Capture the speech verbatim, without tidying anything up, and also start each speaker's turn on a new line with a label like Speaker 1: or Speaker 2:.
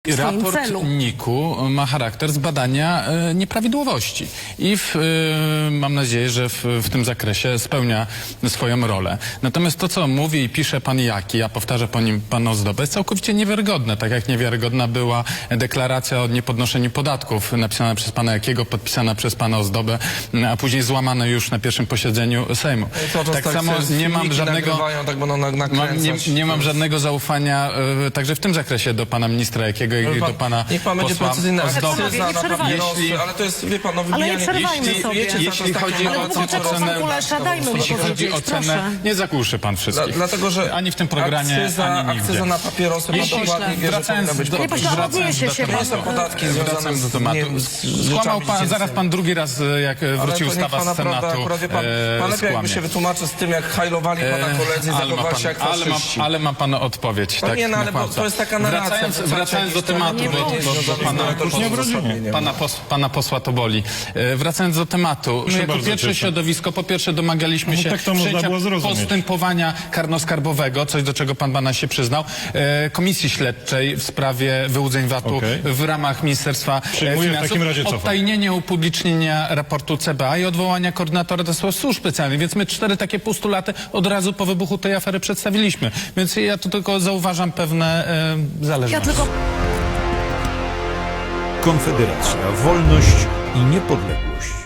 Speaker 1: Raport
Speaker 2: celu.
Speaker 1: N I K-u ma charakter zbadania e, nieprawidłowości i w, e, mam nadzieję, że w, w tym zakresie spełnia swoją rolę. Natomiast to, co mówi i pisze pan Jaki, a powtarza po nim pan Ozdoba, jest całkowicie niewiarygodne. Tak jak niewiarygodna była deklaracja o niepodnoszeniu podatków napisana przez pana Jakiego, podpisana przez pana Ozdobę, a później złamana już na pierwszym posiedzeniu Sejmu.
Speaker 3: Tak samo nie mam żadnego, tak
Speaker 1: mam, nie, nie mam żadnego zaufania e, także w tym zakresie do pana ministra Jakiego i do pana
Speaker 3: niech pan będzie precyzyjny,
Speaker 1: Ozdoby.
Speaker 3: akcyza na papierosy, ale to jest, wie pan, no
Speaker 2: Ale nie
Speaker 3: wybijanie...
Speaker 2: przerwajmy
Speaker 3: jeśli,
Speaker 2: sobie.
Speaker 3: wiecie,
Speaker 1: Jeśli
Speaker 3: co, to jest
Speaker 1: chodzi
Speaker 3: takie
Speaker 1: o
Speaker 3: małe
Speaker 2: poczekaj,
Speaker 1: ocenę,
Speaker 2: pan Kulesza, dajmy mu
Speaker 1: jeśli chodzi
Speaker 2: powiedzieć,
Speaker 1: o ocenę,
Speaker 2: proszę.
Speaker 1: nie zagłuszy pan wszystkich.
Speaker 3: Dla, dlatego, że
Speaker 1: ani w tym programie,
Speaker 3: akcyza,
Speaker 1: ani nigdzie.
Speaker 3: akcyza na papierosy,
Speaker 1: Jeśli-
Speaker 3: pan dokładnie wie, że
Speaker 1: wracając
Speaker 3: powinna być
Speaker 1: do-
Speaker 2: Nie,
Speaker 3: podwyższona.
Speaker 2: pośle,
Speaker 1: wracając
Speaker 2: odniesie
Speaker 1: do
Speaker 2: się
Speaker 3: To
Speaker 2: pan.
Speaker 3: nie są podatki związane
Speaker 1: Wracając do
Speaker 3: z,
Speaker 1: tematu.
Speaker 3: nie, z
Speaker 1: Skłamał
Speaker 3: rzeczami
Speaker 1: pan, zaraz
Speaker 3: dziecięcymi.
Speaker 1: pan drugi raz, jak
Speaker 3: Ale
Speaker 1: wróci
Speaker 3: to niech
Speaker 1: ustawa
Speaker 3: pana
Speaker 1: z Senatu,
Speaker 3: prawda, akurat wie pan,
Speaker 1: e,
Speaker 3: pan lepiej jakby
Speaker 1: skłamie.
Speaker 3: się wytłumaczy z tym, jak hajlowali pana koledzy i
Speaker 1: ale, ma
Speaker 3: zachowali
Speaker 1: pan,
Speaker 3: się jak
Speaker 1: ale, ma,
Speaker 3: faszyści.
Speaker 1: ale ma pan odpowiedź.
Speaker 3: No
Speaker 1: tak,
Speaker 3: nie, no
Speaker 1: na
Speaker 3: ale bo
Speaker 1: kłamca.
Speaker 3: to jest taka narracja.
Speaker 1: Wracając,
Speaker 3: w zasadzie
Speaker 1: wracając do
Speaker 3: jakiejś
Speaker 1: tematu,
Speaker 3: strony,
Speaker 1: bo,
Speaker 3: nie,
Speaker 1: bo,
Speaker 3: nie,
Speaker 1: bo
Speaker 3: nie,
Speaker 1: pana,
Speaker 3: to
Speaker 1: pana,
Speaker 3: uzasadnienie.
Speaker 1: pana, pos, pana posła to boli. E, wracając do tematu, my jako
Speaker 4: bardzo
Speaker 1: pierwsze
Speaker 4: cieszę.
Speaker 1: środowisko, po pierwsze domagaliśmy
Speaker 4: No
Speaker 1: się
Speaker 4: tak to można
Speaker 1: wszczęcia
Speaker 4: było zrozumieć.
Speaker 1: postępowania karnoskarbowego, coś do czego pan Banaś się przyznał, e, komisji śledczej w sprawie wyłudzeń V A T-u
Speaker 4: Okej.
Speaker 1: w ramach Ministerstwa e,
Speaker 4: Przyjmuję, w
Speaker 1: Finansów,
Speaker 4: takim razie cofam.
Speaker 1: odtajnienie upublicznienia raportu C B A i odwołania koordynatora do spraw służb specjalnych, więc my cztery takie postulaty od razu po wybuchu tej afery przedstawiliśmy. Więc ja tu tylko zauważam pewne e, zależności.
Speaker 2: Ja tylko...
Speaker 5: Konfederacja, wolność i niepodległość.